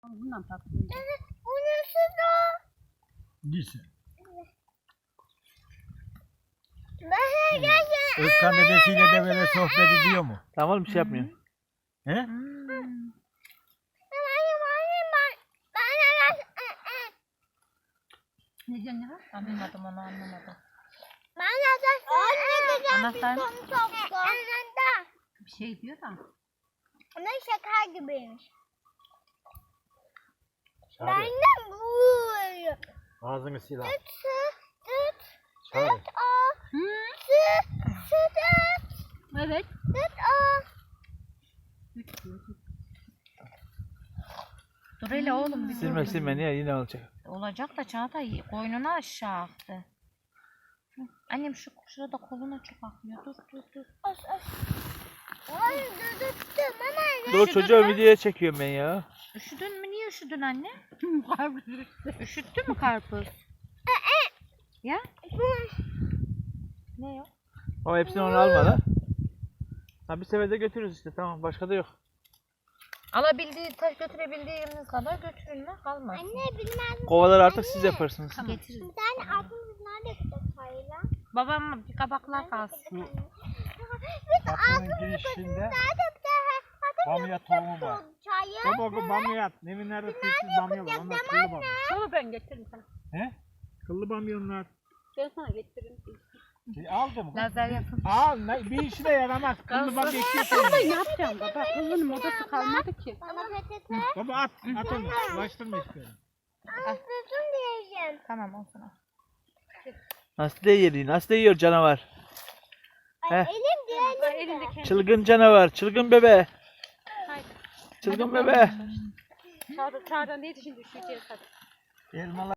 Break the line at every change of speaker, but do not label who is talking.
Bundan tatlıydı.
Bu nasıl da?
Neyse.
Ben gerçekten.
Özkan dedesiyle de böyle sohbet ediyor mu?
Tamam oğlum bir şey yapmıyor.
He?
Ben
Ne diyorsun ya? Anlamadım onu anlamadım.
Anahtar.
Bir şey diyor da.
Ama şeker gibiymiş.
Çağrı.
Benden bu.
Ağzını sil al.
Süt.
Çağrı.
Süt.
Evet.
Dur hele oğlum bir dur.
Silme niye yine olacak.
Olacak da Çağatay koynuna aşağı aktı. Hı. Annem şurada koluna çok akmıyor. Dur.
Ay tuttum ama.
Dur çocuğu videoya çekiyorum ben ya.
Üşüdün mü? Niye üşüdün anne? Üşüttü mü karpuz? Ya? Ne yok?
O hepsini onu alma la. Ha bir seferde götürürüz işte tamam başka da yok.
Götürebildiğimiz kadar götürün mü? Kalmaz.
Anne bilmem.
Kovaları artık siz yaparsınız.
Getiririz.
Bir tane aklımız nerede tutayla?
Babam bir kabaklar kalsın.
Kapının girişinde bamya tohumu var.
Çayı.
Baba bamya. Nemin nerede tüysüz bamya var. Onlar kıllı bamya.
Şunu ben getiririm sana.
He? Kıllı bamya onlar.
Ben sana getiririm.
Aldım.
Lazer yapın.
Bir işine yaramaz. Kıllı bamya istiyorsan.
Ben ne yapacağım baba? Kızının modası kalmadı ki.
Bana peçete.
Baba at onu. Ulaştırma istiyorum.
Tutun diyeceğim.
Tamam olsun.
Nasıl da yiyor, nasıl da yiyor canavar.
Ay,
Heh.
elim diğer elim.
Elinde kendi.
Çılgın canavar, çılgın bebe.
Haydi.
Çılgın bebe.
Çağırdan neydi şimdi üşüyeceğiz hadi.
Elmalar.